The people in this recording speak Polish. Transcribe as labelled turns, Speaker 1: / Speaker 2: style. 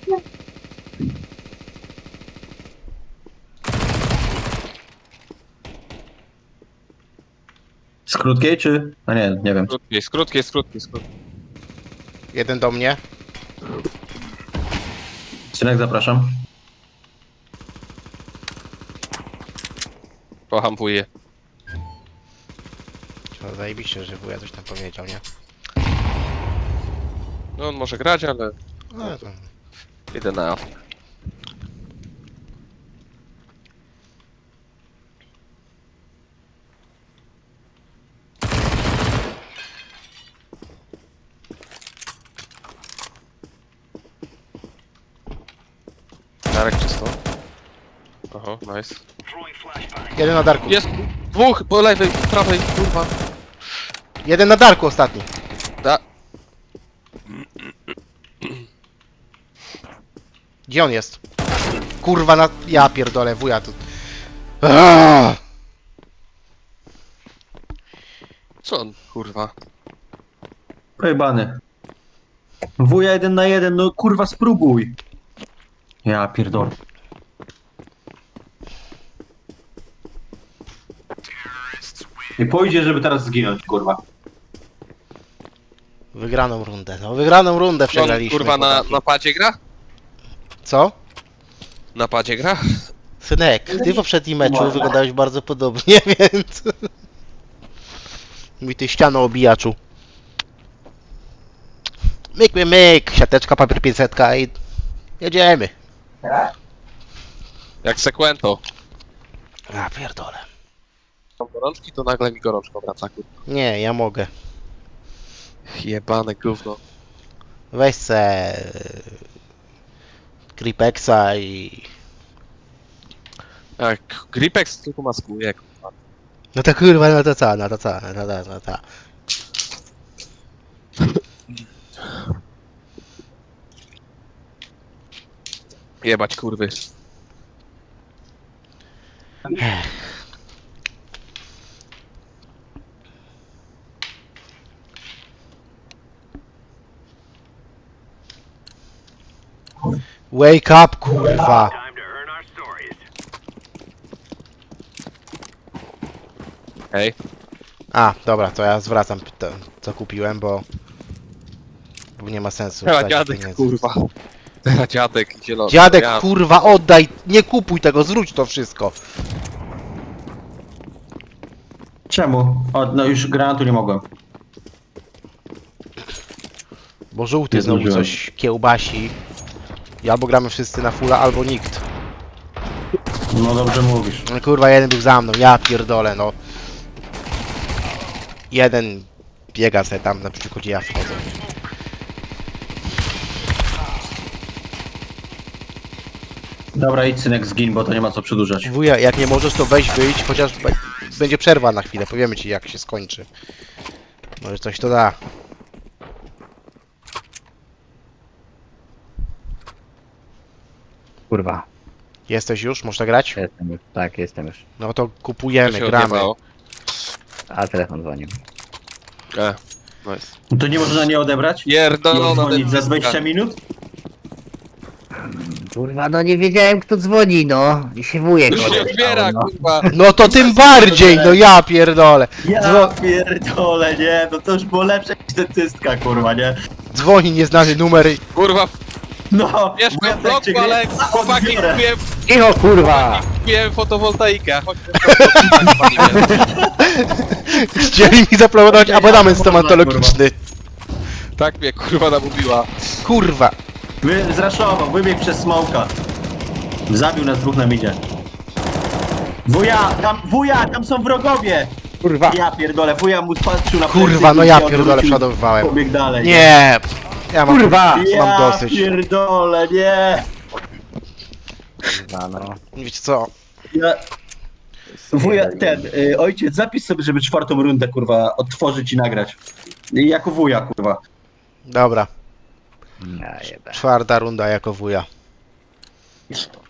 Speaker 1: Z krótkiej czy? A nie, nie wiem.
Speaker 2: Skrótkie.
Speaker 3: Jeden do mnie.
Speaker 1: Synek, zapraszam.
Speaker 2: Kocham wuję.
Speaker 3: No, zajebiście, że wuja coś tam powiedział, nie?
Speaker 2: No on może grać, ale
Speaker 3: No, to...
Speaker 2: idę na AF. Darek czysto. Oho, nice.
Speaker 3: Jeden na darku.
Speaker 2: Jest! Dwóch! Po lewej, prawej, kurwa.
Speaker 3: Jeden na darku ostatni.
Speaker 2: Da.
Speaker 3: Gdzie on jest? Kurwa na... Ja pierdolę, wuja tu. Aaaa!
Speaker 2: Co on, kurwa?
Speaker 1: Pojebany. Wuja 1 na 1, no kurwa spróbuj. Ja pierdolę. Nie pójdzie, żeby teraz zginąć, kurwa.
Speaker 3: Wygraną rundę, no wygraną rundę
Speaker 2: On,
Speaker 3: przegraliśmy.
Speaker 2: kurwa na
Speaker 3: chłopaki.
Speaker 2: padzie gra?
Speaker 3: Co?
Speaker 2: Na padzie gra?
Speaker 3: Synek, ty w poprzednim meczu wyglądałeś bardzo podobnie, więc... Mój ty ściano obijaczu. Myk, siateczka, papier 500 i... Jedziemy.
Speaker 2: Jak Sequento.
Speaker 3: A pierdolę.
Speaker 2: Mam gorączki, to nagle mi gorączka wraca, kurwa.
Speaker 3: Nie, ja mogę.
Speaker 2: Jebane gówno.
Speaker 3: Weź se... Gripexa i...
Speaker 2: Jak Gripex tylko maskuje, kurwa.
Speaker 3: No to kurwa, no to co, no to.
Speaker 2: Jebać kurwy.
Speaker 3: Wake up, kurwa.
Speaker 2: Hej.
Speaker 3: A, dobra, to ja zwracam to, co kupiłem, bo nie ma sensu.
Speaker 2: Teraz
Speaker 3: wstać
Speaker 2: dziadek,
Speaker 3: pieniędzy.
Speaker 2: kurwa. Teraz dziadek zielony.
Speaker 3: Dziadek,
Speaker 2: Ja-
Speaker 3: kurwa, oddaj! Nie kupuj tego, zwróć to wszystko.
Speaker 1: Czemu? O, no już granatu nie mogłem.
Speaker 3: Bo żółty
Speaker 1: Nie
Speaker 3: znowu
Speaker 1: zdążyłem.
Speaker 3: coś kiełbasi. I albo gramy wszyscy na fulla, albo nikt.
Speaker 1: No dobrze mówisz.
Speaker 3: No kurwa, jeden był za mną, ja pierdolę, no. Jeden biega sobie tam na przykładzie, ja wchodzę.
Speaker 1: Dobra, idź synek, zgin, bo to nie ma co przedłużać.
Speaker 3: Wuja, jak nie możesz, to weź wyjdź, chociaż będzie przerwa na chwilę, powiemy ci jak się skończy. Może coś to da.
Speaker 4: Kurwa,
Speaker 3: Jesteś już? Można grać?
Speaker 4: jestem już. Tak, jestem już.
Speaker 3: No to
Speaker 2: To
Speaker 3: kupujemy,
Speaker 2: się
Speaker 3: gramy.
Speaker 2: odjebało.
Speaker 4: A telefon dzwonił.
Speaker 2: Nice.
Speaker 1: No to nie można nie odebrać? I
Speaker 2: Pierdolona
Speaker 1: odzwonić za 20 minut?
Speaker 4: Kurwa, no nie wiedziałem kto dzwoni, no. I się wujek
Speaker 2: Już się
Speaker 4: odezwał,
Speaker 2: otwiera,
Speaker 4: no.
Speaker 2: kurwa.
Speaker 3: No to tym bardziej, no ja pierdolę.
Speaker 1: Ja pierdolę, nie, no to już było lepsze niż dentystka, kurwa, nie?
Speaker 3: Dzwoni nieznany numer i...
Speaker 2: Kurwa,
Speaker 1: No,
Speaker 2: mieszkam w
Speaker 1: wujek cię
Speaker 2: bloku, ale
Speaker 1: gry-
Speaker 2: chłopaki
Speaker 1: odbiorę.
Speaker 2: kupiłem,
Speaker 4: Cicho, kurwa!
Speaker 2: fotowoltaikę. Chodź,
Speaker 3: Chcieli mi zaplanować abonament stomatologiczny.
Speaker 2: tak mnie kurwa namówiła.
Speaker 3: Kurwa.
Speaker 1: Zraszował, wybiegł przez smoka. Zabił nas dwóch na midzie. Wuja, tam są wrogowie!
Speaker 4: Kurwa!
Speaker 1: Ja pierdolę, wuja mu patrzył na
Speaker 3: Kurwa,
Speaker 1: plecy
Speaker 3: no
Speaker 1: i
Speaker 3: ja
Speaker 1: się
Speaker 3: pierdolę,
Speaker 1: odwrócił,
Speaker 3: przodowywałem.
Speaker 1: Pobiegł dalej.
Speaker 3: Nie. Ja mam,
Speaker 4: Kurwa!
Speaker 3: mam
Speaker 1: Ja
Speaker 3: dosyć.
Speaker 1: pierdolę, nie!
Speaker 4: Kurwa, no.
Speaker 3: Wiecie co?
Speaker 1: Ja... Wuja, ojciec, zapisz sobie, żeby czwartą rundę, kurwa, odtworzyć i nagrać. Jako wuja, kurwa.
Speaker 3: Dobra.
Speaker 4: Ja jebę.
Speaker 3: Czwarta runda jako wuja.